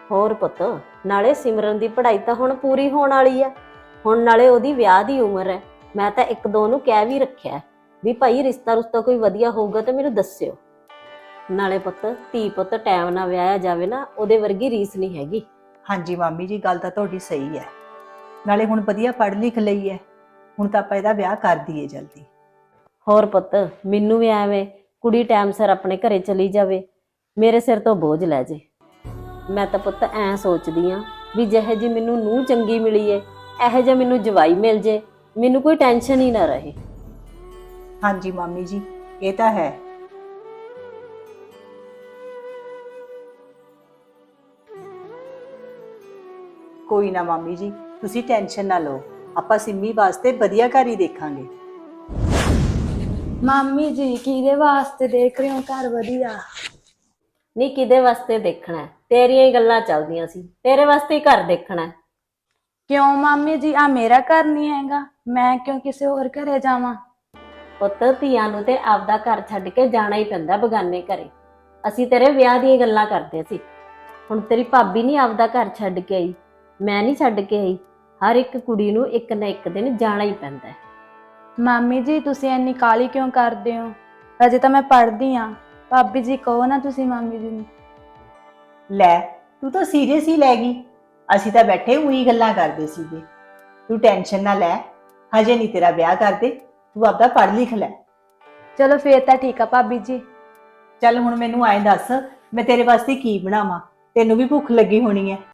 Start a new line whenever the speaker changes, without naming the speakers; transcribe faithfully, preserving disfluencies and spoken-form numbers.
ਹੋਰ ਪੁੱਤ, ਨਾਲੇ ਸਿਮਰਨ ਦੀ ਪੜ੍ਹਾਈ ਤਾਂ ਹੁਣ ਪੂਰੀ ਹੋਣ ਵਾਲੀ ਆ। ਹੁਣ ਨਾਲੇ ਉਹਦੀ ਵਿਆਹ ਦੀ ਉਮਰ ਹੈ। ਮੈਂ ਤਾਂ ਇੱਕ ਦੋ ਨੂੰ ਕਹਿ ਵੀ ਰੱਖਿਆ ਵੀ ਭਾਈ ਰਿਸ਼ਤਾ ਰੁਸ਼ਤਾ ਕੋਈ ਵਧੀਆ ਹੋਊਗਾ ਤਾਂ ਮੈਨੂੰ ਦੱਸਿਓ। ਨਾਲੇ ਪੁੱਤ, ਧੀ ਪੁੱਤ ਟਾਈਮ ਨਾਲ ਵਿਆਹਿਆ ਜਾਵੇ ਨਾ, ਉਹਦੇ ਵਰਗੀ ਰੀਸ ਨਹੀਂ ਹੈਗੀ।
ਹਾਂਜੀ ਮਾਮੀ ਜੀ, ਗੱਲ ਤਾਂ ਤੁਹਾਡੀ ਸਹੀ ਹੈ। ਨਾਲੇ ਹੁਣ ਵਧੀਆ ਪੜ੍ਹ ਲਿਖ ਲਈ ਹੈ, ਹੁਣ ਤਾਂ ਆਪਾਂ ਇਹਦਾ ਵਿਆਹ ਕਰ ਦਈਏ ਜਲਦੀ।
ਹੋਰ ਪੁੱਤ, ਮੈਨੂੰ ਵੀ ਐਵੇਂ ਕੁੜੀ ਟਾਈਮ ਸਿਰ ਆਪਣੇ ਘਰੇ ਚਲੀ ਜਾਵੇ, ਮੇਰੇ ਸਿਰ ਤੋਂ ਬੋਝ ਲੈ ਜੇ। ਮੈਂ ਤਾਂ ਪੁੱਤ ਐਂ ਸੋਚਦੀ ਆ ਵੀ ਜਿਹੇ ਜੀ ਮੈਨੂੰ ਨੂੰਹ ਚੰਗੀ ਮਿਲੀ ਏ, ਇਹੋ ਜਿਹਾ ਮੈਨੂੰ ਜਵਾਈ ਮਿਲ ਜੇ, ਮੈਨੂੰ ਕੋਈ ਟੈਨਸ਼ਨ ਹੀ ਨਾ ਰਹੇ।
ਹਾਂਜੀ ਮਾਮੀ ਜੀ, ਇਹ ਤਾਂ ਹੈ। ਕੋਈ ਨਾ ਮਾਮੀ ਜੀ, ਤੁਸੀਂ ਟੈਨਸ਼ਨ ਨਾ ਲਓ, ਆਪਾਂ ਸਿੰਮੀ ਵਾਸਤੇ ਵਧੀਆ ਘਰ ਹੀ ਦੇਖਾਂਗੇ।
ਮਾਮੀ ਜੀ ਕਿਹਦੇ ਵਾਸਤੇ ਦੇਖ ਰਹੇ ਹੋ ਘਰ ਵਧੀਆ?
ਨਹੀਂ, ਕਿਹਦੇ ਵਾਸਤੇ ਦੇਖਣਾ? ਤੇਰੀਆਂ ਹੀ ਗੱਲਾਂ ਚੱਲਦੀਆਂ ਸੀ, ਤੇਰੇ ਵਾਸਤੇ ਹੀ ਘਰ ਦੇਖਣਾ।
ਕਿਉਂ ਮਾਮੀ ਜੀ, ਆ ਮੇਰਾ ਘਰ ਨਹੀਂ ਹੈਗਾ? ਮੈਂ ਕਿਉਂ ਕਿਸੇ ਹੋਰ ਘਰੇ ਜਾਵਾਂ?
ਪੁੱਤ, ਧੀਆਂ ਨੂੰ ਤੇ ਆਪਦਾ ਘਰ ਛੱਡ ਕੇ ਜਾਣਾ ਹੀ ਪੈਂਦਾ ਬਗਾਨੇ ਘਰੇ। ਅਸੀਂ ਤੇਰੇ ਵਿਆਹ ਦੀਆਂ ਗੱਲਾਂ ਕਰਦੇ ਸੀ। ਹੁਣ ਤੇਰੀ ਭਾਬੀ ਨਹੀਂ ਆਪਦਾ ਘਰ ਛੱਡ ਕੇ ਆਈ, ਮੈਂ ਨਹੀਂ ਛੱਡ ਕੇ ਆਈ। ਹਰ ਇੱਕ ਕੁੜੀ ਨੂੰ ਇੱਕ ਨਾ ਇੱਕ ਦਿਨ ਜਾਣਾ ਹੀ ਪੈਂਦਾ ਹੈ।
ਮਾਮੀ ਜੀ ਤੁਸੀਂ ਇੰਨੀ ਕਾਹਲੀ ਕਿਉਂ ਕਰਦੇ ਹੋ? ਅਜੇ ਤਾਂ ਮੈਂ ਪੜ੍ਹਦੀ ਆ। ਭਾਬੀ ਜੀ ਕਹੋ ਨਾ ਤੁਸੀਂ ਮਾਮੀ ਜੀ ਨੂੰ।
ਲੈ, ਤੂੰ ਤਾਂ ਸੀਰੀਅਸ ਹੀ ਲੈ ਗਈ। ਅਸੀਂ ਤਾਂ ਬੈਠੇ ਉਹੀ ਗੱਲਾਂ ਕਰਦੇ ਸੀਗੇ। ਤੂੰ ਟੈਨਸ਼ਨ ਨਾ ਲੈ, ਹਜੇ ਨਹੀਂ ਤੇਰਾ ਵਿਆਹ ਕਰਦੇ, ਤੂੰ ਆਪਦਾ ਪੜ੍ਹ ਲਿਖ ਲੈ।
ਚਲੋ ਫੇਰ ਤਾਂ ਠੀਕ ਆ ਭਾਬੀ ਜੀ।
ਚੱਲ ਹੁਣ ਮੈਨੂੰ ਐਂ ਦੱਸ, ਮੈਂ ਤੇਰੇ ਵਾਸਤੇ ਕੀ ਬਣਾਵਾਂ? ਤੈਨੂੰ ਵੀ ਭੁੱਖ ਲੱਗੀ ਹੋਣੀ ਹੈ।